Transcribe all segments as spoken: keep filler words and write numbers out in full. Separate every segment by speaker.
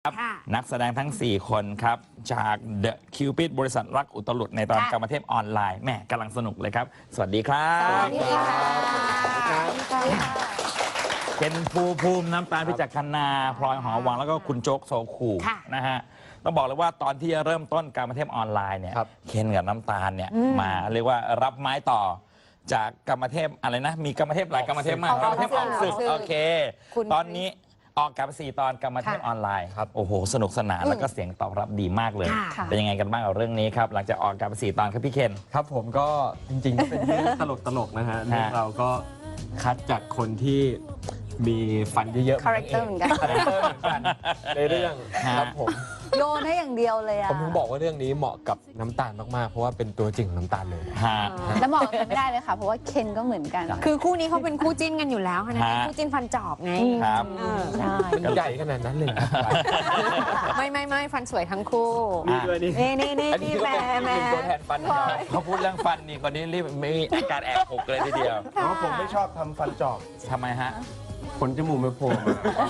Speaker 1: ครับนักแสดงทั้งสี่คนครับจาก The Cupid บริษัทรักอุตลุดในตอนกรรมเทพออนไลน์แม่กำลังสนุกเลยครับสวัสดีครับสวัสดีค่ะเป็นภูภูมิน้ำตาลพิจักรนาพลอยหอวังแล้วก็คุณโจ๊กโซคูนะฮะต้องบอกเลยว่าตอนที่เริ่มต้นกรรมเทพออนไลน์เนี่ยเคนกับน้ำตาลเนี่ยมาเรียกว่ารับไม้ต่อจากกรรมเทพอะไรนะมีกรรมเทพหลายกรรมเทพมากกรรมเทพออกศึกโอเคตอนนี้ออกกับสี่ตอนกรรมเทพออนไลน์ครับโอ้โหสนุกสนานแล้วก็เสียงตอบรับดีมากเลยเป็นยังไงกันบ้างกับเรื่องนี้ครับหลังจากออกกับสี่ตอนครับพี่เคน
Speaker 2: ครับผมก็จริงๆเป็นเรื่องตลกตลกนะฮะเราก็คัดจากคนที่มีฟันเยอะๆ
Speaker 3: คาแรคเตอร์เหมือนกัน
Speaker 2: ในเรื่องครับผม
Speaker 3: โยนให้อย่างเดียวเลยอะ
Speaker 2: ผมถึงบอกว่าเรื่องนี้เหมาะกับน้ำตาลมากๆเพราะว่าเป็นตัวจริงน้ำตาลเลย
Speaker 3: แล้วเหมาะกันไม่ได้เลยค่ะเพราะว่าเคนก็เหมือนกัน
Speaker 4: คือคู่นี้เขาเป็นคู่จิ้นกันอยู่แล้วนะคู่จิ้นฟันจอบไง
Speaker 1: ครับ
Speaker 2: ใช่ใหญ่ขนาดนั้นเลย
Speaker 4: ไม่ไม่ไม่ฟันสวยทั้งคู่
Speaker 3: นี่นี่นี่นี่แม่แม่
Speaker 2: ตัวแทนฟัน
Speaker 1: เขาพูดเรื่องฟันนี่คนนี้รีบมีอาการแอบหกเลยทีเดียว
Speaker 2: เพราะผมไม่ชอบทำฟันจอบ
Speaker 1: ทำไมฮะ
Speaker 2: ขนจมูกไม่โผล่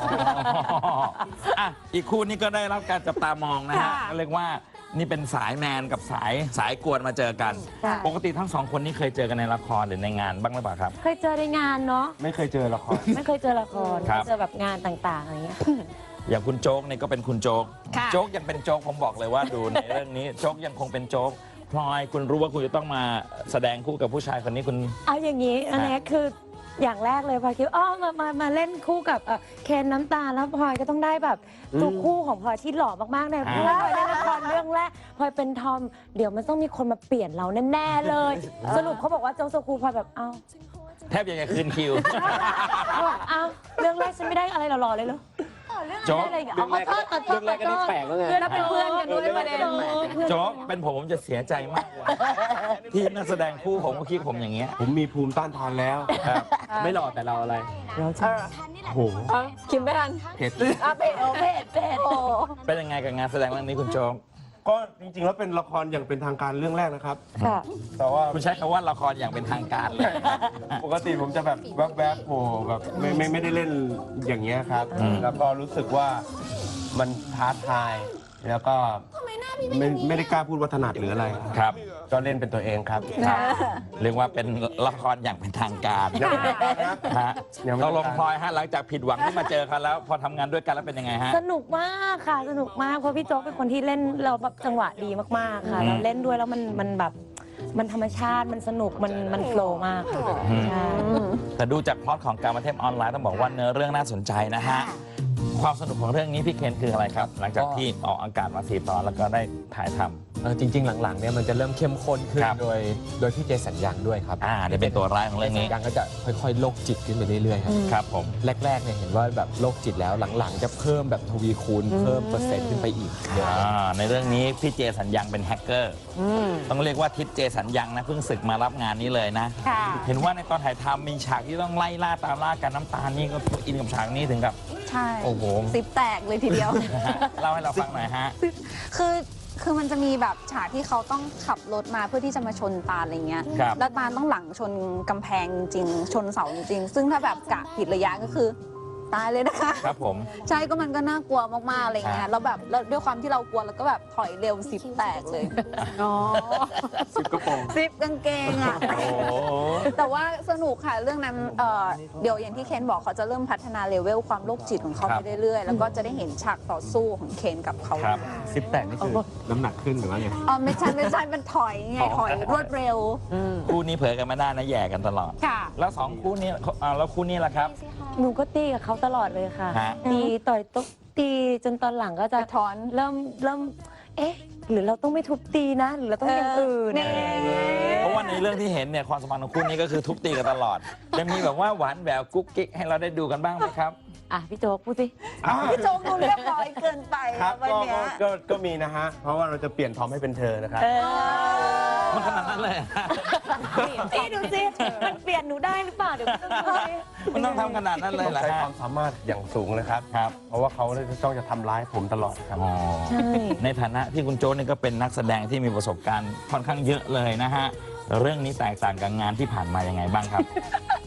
Speaker 1: อ่ะอีกคู่นี้ก็ได้รับการจับตามองนะฮะก็เรียกว่านี่เป็นสายแมนกับสายสายกวนมาเจอกันปกติทั้งสองคนนี้เคยเจอกันในละครหรือในงานบ้างหรือเปล่าครับ
Speaker 5: เคยเจอในงานเนาะ
Speaker 2: ไม่เคยเจอละคร
Speaker 5: ไม่เคยเจอละครเจอแบบงานต่างๆอะไรเงี้ย
Speaker 1: อย่างคุณโจ๊กนี่ก็เป็นคุณโจ๊กโจ๊กยังเป็นโจ๊กผมบอกเลยว่าดูในเรื่องนี้โจ๊กยังคงเป็นโจ๊กพลอยคุณรู้ว่าคุณจะต้องมาแสดงคู่กับผู้ชายคนนี้คุณ
Speaker 5: เอาอย่างนี้อันนี้คืออย่างแรกเลยพลอยคิดอ๋อมามามาเล่นคู่กับเคนน้ำตาลแล้วพลอยก็ต้องได้แบบทุกคู่ของพลอยที่หล่อมากๆในเพราะว่าพลอยได้ละครเรื่องแรกพลอยเป็นทอมเดี๋ยวมันต้องมีคนมาเปลี่ยนเราแน่ๆเลยสรุปเขาบอกว่าโจ๊กโซคูพลอยแบบเอ้า
Speaker 1: แทบยังจะคืนคิว
Speaker 5: เอ้าเรื่องแรกฉันไม่ได้อะไรหล่อๆเลยเหรอ
Speaker 1: โจ๊ก
Speaker 5: เรื่องแรกเรื่องแรกก็นี่แปลกแล้วไง
Speaker 4: เพื่อนเป็นเพื่อนกันด้วยประเด็น
Speaker 1: โจ๊กเป็นผมผมจะเสียใจมากที่นักแสดงคู่ผมก็คิดผมอย่างเงี้ย
Speaker 2: ผมมีภูมิต้านทานแล้วไม่หล่อแต่เราอะไร
Speaker 5: เรา
Speaker 2: ใช่โห
Speaker 4: คิมไม่ทัน
Speaker 1: เผ็ด
Speaker 5: อ่ะเผ็ดโอเผ็ดเผ็ดโอ้
Speaker 1: เป็นยังไงกับงานแสดงเรื่องนี้คุณโจ๊ก
Speaker 2: ก็จริงๆแล้วเป็นละครอย่างเป็นทางการเรื่องแรกนะครับ
Speaker 1: แต่ว่าคุณใช้คำว่าละครอย่างเป็นทางการเลย
Speaker 2: ปกติผมจะแบบแวบๆโผล่แบบไม่ไม่ไม่ได้เล่นอย่างเงี้ยครับแล้วก็รู้สึกว่ามันท้าทายแล้วก็ไม่ไม่ได้กล้าพูดว่าถนัดหรืออะไร
Speaker 1: ครับ
Speaker 2: ก็เล่นเป็นตัวเองครับ
Speaker 1: เรียกว่าเป็นละครอย่างเป็นทางการฮะเราลงพลอยฮะหลังจากผิดหวังที่มาเจอกันแล้วพอทำงานด้วยกันแล้วเป็นยังไงฮะ
Speaker 5: สนุกมากค่ะสนุกมากเพราะพี่โจ๊กเป็นคนที่เล่นเราแบบจังหวะดีมากๆค่ะเราเล่นด้วยแล้วมันมันแบบมันธรรมชาติมันสนุกมันมันโฟล์มากค่ะใช่
Speaker 1: แต่ดูจากพล็อตของการมาเทพออนไลน์ต้องบอกว่าเนื้อเรื่องน่าสนใจนะฮะความสนุกของเรื่องนี้พี่เคนคืออะไรครับหลังจากที่ออกอากาศมาสี่ตอนแล้วก็ได้ถ่ายทำ
Speaker 2: จริงๆหลังๆเนี่ยมันจะเริ่มเข้มข้นขึ้นโดยโดยพี่เจสัญญังด้วยครับ
Speaker 1: อ่าได้เป็นตัวร้ายของเรื่องนี้
Speaker 2: ยังก็จะค่อยๆโรคจิตขึ้นไปเรื่อยๆครับ
Speaker 1: ครับผม
Speaker 2: แรกๆเนี่ยเห็นว่าแบบโรคจิตแล้วหลังๆจะเพิ่มแบบทวีคูณเพิ่มเปอร์เซ็นต์ขึ้นไปอีก
Speaker 1: ในเรื่องนี้พี่เจสัญญังเป็นแฮกเกอร์ต้องเรียกว่าทิศเจสัญญังนะเพิ่งศึกมารับงานนี้เลยนะเห็นว่าในตอนถ่ายทำมีฉากที่ต้องไล่ล่าตามล่ากันน้ำตาลนี่ก็อินกับฉากนี้ถึงกับ
Speaker 3: ใช่โอ้โหซิปแตกเลยทีเดียว
Speaker 1: เล่าให้เราฟังหน่อยฮะ
Speaker 3: คือคือมันจะมีแบบฉากที่เขาต้องขับรถมาเพื่อที่จะมาชนตาลอะไรเงี้ยแล้วตาลต้องหลังชนกำแพงจริงชนเสาจริงซึ่งถ้าแบบกะผิดระยะก็คือตายเลยนะคะ
Speaker 1: ครับผม
Speaker 3: ใช่ก็มันก็น่ากลัวมากๆอะไรเงี้ยแล้วแบบแล้วด้วยความที่เรากลัวแล้วก็แบบถอยเร็วซิปแตกเลย
Speaker 4: อ๋อ
Speaker 2: ซิปกระโปรง
Speaker 3: ซิปกางเกงอ่ะแต่ว่าสนุกค่ะเรื่องนั้นเดี๋ยวอย่างที่เคนบอกเขาจะเริ่มพัฒนาเลเวลความโรคจิตของเขาไปเรื่อยๆแล้วก็จะได้เห็นฉากต่อสู้ของเคนกับเขา
Speaker 2: ซิปแตกนี่คือน้ำหนักขึ้นหรือว่าไง
Speaker 3: อ๋อไม่ใช่ไม่ใช่มันถอยไงถอยรวดเร็ว
Speaker 1: คู่นี้เผยกันไม่ได้นะแย่กันตลอด
Speaker 3: ค่ะ
Speaker 1: แล้วสองคู่นี้แล้วคู่นี้ล่ะครับ
Speaker 5: หนูก็ตีกับเขาตลอดเลยค่ะตีต่อยตุ๊กตีจนตอนหลังก็จะ
Speaker 3: ถอน
Speaker 5: เริ่มเริ่มเอ๊ะหรือเราต้องไม่ทุบตีนะหรือเราต้องอย่างอื่น
Speaker 1: เพราะว่าในเรื่องที่เห็นเนี่ยความสัมพันธ์ของคู่นี้ก็คือทุบตีกันตลอดจะมีแบบว่าหวานแหววกุ๊กกิ๊กให้เราได้ดูกันบ้างไหมครับ
Speaker 5: อ่ะพี่โจ๊กพูดสิ
Speaker 3: พี่โจ๊กดูเรียบร้อยเกินไป
Speaker 2: ครับก็ก็มีนะฮะเพราะว่าเราจะเปลี่ยนทอมให้เป็นเธอนะครับ
Speaker 1: มันขนาดนั้นเลย
Speaker 5: นี่ดูสิมันเปลี่ยนหนูได้หรือเปล่าเดี๋ยว
Speaker 1: มันต้องทำขนาดนั้นเลยเหรอ
Speaker 2: ใช้ความสามารถอย่างสูงนะครับ
Speaker 1: ครับ
Speaker 2: เพราะว่าเขาต้องจะทำร้ายผมตลอดครับ
Speaker 1: ในฐานะที่คุณโจ๊กนี่ก็เป็นนักแสดงที่มีประสบการณ์ค่อนข้างเยอะเลยนะฮะเรื่องนี้แตกต่างกับงานที่ผ่านมายังไงบ้างครับ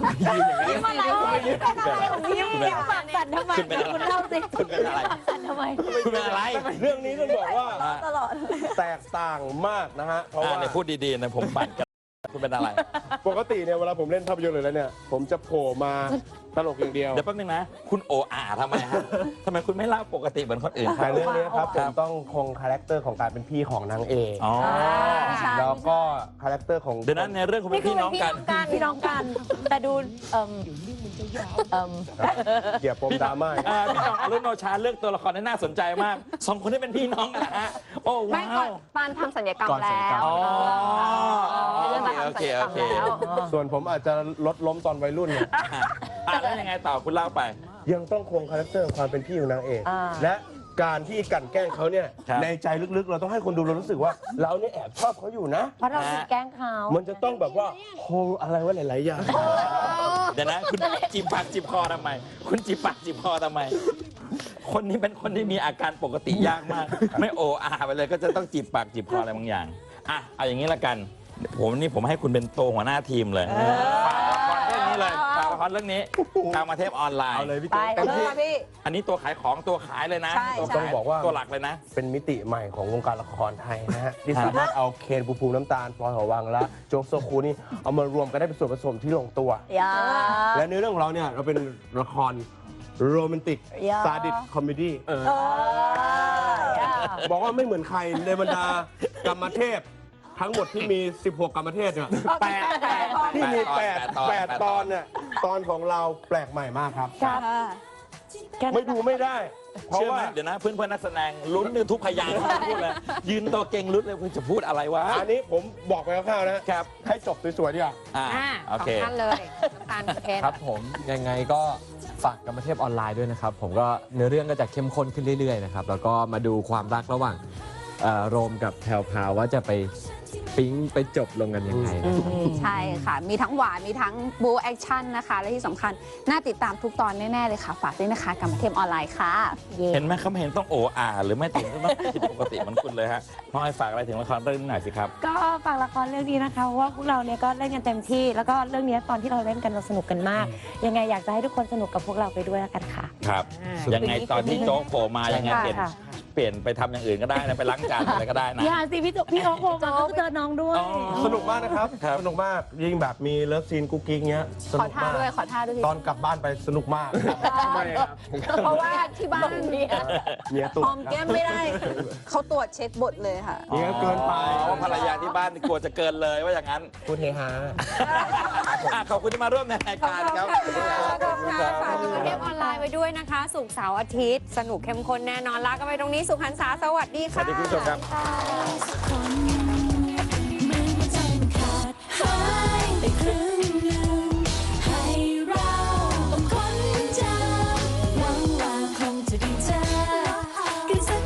Speaker 5: ยิ้มอะไรยิ้มอะไรของยิ้มยิ้มปากสั่นทำไม
Speaker 1: คุณเป็นอะไร
Speaker 5: คุณเล่าสิ
Speaker 1: คุณเป็นอะไร
Speaker 5: สั่นทำไม
Speaker 1: คุณเป็นอะไร
Speaker 2: เรื่องนี้ต้องบอกว่า
Speaker 3: ตลอด
Speaker 2: แตกต่างมากนะฮะ เพราะ
Speaker 1: อ่า
Speaker 2: ว่า
Speaker 1: เนี่ยพูดดีๆนะผมปั่นกันคุณเป็นอะไร
Speaker 2: ปกติเนี่ยเวลาผมเล่นภาพยนตร์เลยแล้วเนี่ย ผมจะโผล่มาตลกอย่างเดียว
Speaker 1: เดี๋ยวแป๊บนึงนะ คุณโออาทำไมฮะทำไมคุณไม่เล่าปกติเหมือนคนอื่น
Speaker 2: แต่
Speaker 1: เขา
Speaker 2: เรื่องนี้ครับ
Speaker 1: ค
Speaker 2: ผ
Speaker 1: รั
Speaker 2: ม
Speaker 1: บ
Speaker 2: ต้องคงคาแรคเตอร์ของการเป็นพี่ของนางเอก
Speaker 1: อ๋อ
Speaker 3: ใช่
Speaker 2: แล้วก็คาแรคเตอร์ของ
Speaker 1: เดี๋ยวนั้นในเรื่องคุณเป็นพี่น้องกัน
Speaker 5: พี่น้องกัน แต่ดูเอ่มเอ่ม
Speaker 2: เกี่ยวปมดราม่า
Speaker 1: อ่าพี่น้องอรุณโนชาเลือกตัวละครได้น่าสนใจมากสองคนที่เป็นพี่น้องกันนะฮะโอ้
Speaker 3: ไม่ก่อ
Speaker 1: ว้าน ว
Speaker 3: ปานทำสัญญกรรม
Speaker 6: ก่อนสัญ
Speaker 3: แล้
Speaker 6: ญกรรม
Speaker 3: ว
Speaker 1: อ๋อ
Speaker 3: เรื่องมา
Speaker 1: โอ
Speaker 3: ทำสั
Speaker 1: เค
Speaker 3: ญญกร
Speaker 1: โอ
Speaker 3: รม
Speaker 1: เค
Speaker 3: แล้ว
Speaker 2: ส่วนผมอาจจะลดล้มตอนวัยรุ่นเนี่ย
Speaker 1: อ่ะแล้วยังไงต่อคุณเล่าไป
Speaker 2: ยังต้องคงคาแรคเตอร์ความเป็นพี่ของนางเอก
Speaker 5: อ่า
Speaker 2: และการที่กลั่นแกล้งเขาเนี่ย
Speaker 1: ครับ
Speaker 2: ในใจลึกๆ เราต้องให้คนดูเรารู้สึกว่า เราเนี่ยแอบชอบเขาอยู่นะ
Speaker 5: เพราะเราถูกแกล้งเขา
Speaker 2: มันจะต้องแบบว่าโฮอะไรวะหลายๆอย่าง
Speaker 1: เดี๋ยวนะคุณจีบปากจีบคอทำไม คุณจีบปากจีบคอทำไม คนนี้เป็นคนที่มีอาการปกติยากมาก ไม่โออาไปเลยก็จะต้องจีบปากจีบคออะไรบางอย่างอ่ะเอาอย่างนี้ละกัน ผมนี่ผมให้คุณเป็นโตหัวหน้าทีมเลยฝากละครเรื่องนี้เลยฝากละครเรื่องนี้กามเทพออนไลน์
Speaker 2: เอาเลยพี่
Speaker 3: ไป
Speaker 2: เต้เต็ม
Speaker 3: เล
Speaker 2: ที่
Speaker 3: ยพี่
Speaker 1: อันนี้ตัวขายของตัวขายเลยนะ
Speaker 3: ใช่
Speaker 1: ตัว
Speaker 3: ใช่
Speaker 1: ขาย
Speaker 2: ต้องบอกว่า
Speaker 1: ตัวหลักเลยนะ
Speaker 2: เป็นมิติใหม่ของวงการละครไทยนะฮะ ที่สามารถเอาเคนภูมิภูมิน้ำตาลพลอยหอวังและโจ๊กโซคูนี่เอามารวมกันได้เป็นส่วนผสมที่ลงตัว
Speaker 5: อย่า
Speaker 2: และเนื้อเรื่องของเราเนี่ยเราเป็นละครโรแมนติก
Speaker 5: อย่า
Speaker 2: ซาดิสคอมเมดี้
Speaker 5: เอออย่า
Speaker 2: บอกว่าไม่เหมือนใครในบรรดากรรมเทพ ทั้งหมดที่มี สิบหก กรรมเทพเนี่ย
Speaker 1: แปดแปด
Speaker 2: ที่มี
Speaker 1: แปด
Speaker 2: 8 8ตอนเนี่ยตอนของเราแปลกใหม่มากครับ
Speaker 5: ครับ
Speaker 2: ไม่ดูไม่ได้ เพราะ
Speaker 1: เชื่อไห
Speaker 2: ว่าม
Speaker 1: เดี๋ยวนะเพื่อนเพื่อนๆนักแสดงลุ้นในทุกพยางค์ที่พูดเลยยืนตัวเก่งลุ้นเลยคุณจะพูดอะไรวะ
Speaker 2: อันนี้ผมบอกไปคร่าวๆนะครับ ให้จบสวยๆดีกว่า
Speaker 1: อ่า
Speaker 4: อ่า
Speaker 1: โอ
Speaker 4: สอ
Speaker 1: เค
Speaker 4: งท่านเลยน้ำตาลเพชร
Speaker 6: ครับผมยังไงก็ฝากกรรมเทพออนไลน์ด้วยนะครับ ผมก็เนื้อเรื่องก็จะเข้มข้นขึ้นเรื่อยๆนะครับแล้วก็มาดูความรักระหว่างเอ่อโรมกับแพรวพราวว่าจะไปปิ๊งไปจบลงกันยังไงนะครับ
Speaker 3: ใช่ค่ะ มีทั้งหวาน มีทั้งบูแอคชั่นนะคะ และที่สำคัญ น่าติดตามทุกตอนแน่ ๆ เลยค่ะ ฝากด้วยนะคะกรรมเทพออนไลน์ค่ะ
Speaker 1: เห็นไหมเขาไม่เห็นต้องโออาหรือไม่ถึงต้องผิดปกติเหมือนคุณเลยฮะน้องไอ้ฝากอะไรถึงละครเรื่องนี้หน่อยสิครับ
Speaker 5: ก็ฝากละครเรื่องนี้นะคะเพราะว่าพวกเราเนี่ยก็เล่นกันเต็มที่ แล้วก็เรื่องนี้ตอนที่เราเล่นกันเราสนุกกันมาก ยังไงอยากจะให้ทุกคนสนุกกับพวกเราไปด้วยแล้วกันค่ะ
Speaker 1: ครับ
Speaker 4: อ่า
Speaker 1: ยังไงตอนที่โจ๊กโผล่มายังไง
Speaker 5: ค่ะ
Speaker 1: เปลี่ยน
Speaker 5: ค่ะ
Speaker 1: เปลี่ยนไปทำอย่างอื่นก็ได้นะไปล้างจานอะไรก็ได้นะ
Speaker 5: อย่าสิพี่โจพี่โอ๊คโผล่มาก็เจอน้องด้วย
Speaker 1: อ๋อ
Speaker 2: สนุกมากนะครับ
Speaker 1: ครับ
Speaker 2: สนุกมากยิ่งแบบมีเลิฟซีนกุ๊กกิ๊กเงี้ยส
Speaker 3: ขอ
Speaker 2: นุก
Speaker 3: ท่าม
Speaker 2: าก
Speaker 3: ด้วย ขอท่าด้วย
Speaker 2: ตอนกลับบ้านไปสนุกมากทำไมครับ
Speaker 3: เพราะว่าที่บ้าน
Speaker 2: เมียตุ่
Speaker 3: หอมแก้มไม่ได้ เขาตรวจเช็คบทเลยค่ะ
Speaker 2: เมียเกินไป
Speaker 1: อ๋อว่าภรรยาที่บ้านกลัวจะเกินเลยว่าอย่างนั้น
Speaker 2: พูดเฮฮา
Speaker 1: อ่ะขอบคุณที่มาร่วมในรายการครับ
Speaker 3: ขอบคุณค่ะขอบคุณค่ะ
Speaker 4: ฝากกรรมเทพออนไลน์ไว้ด้วยนะคะศุกร์เสาร์อาทิตย์ สนุกเข้มข้นแน่นอนลากันไปตรงนี้สุขันษาสวัสดี
Speaker 1: ส
Speaker 4: ค่ะ
Speaker 1: วัสดีคุณผู้ชมครับ
Speaker 5: ค่ะ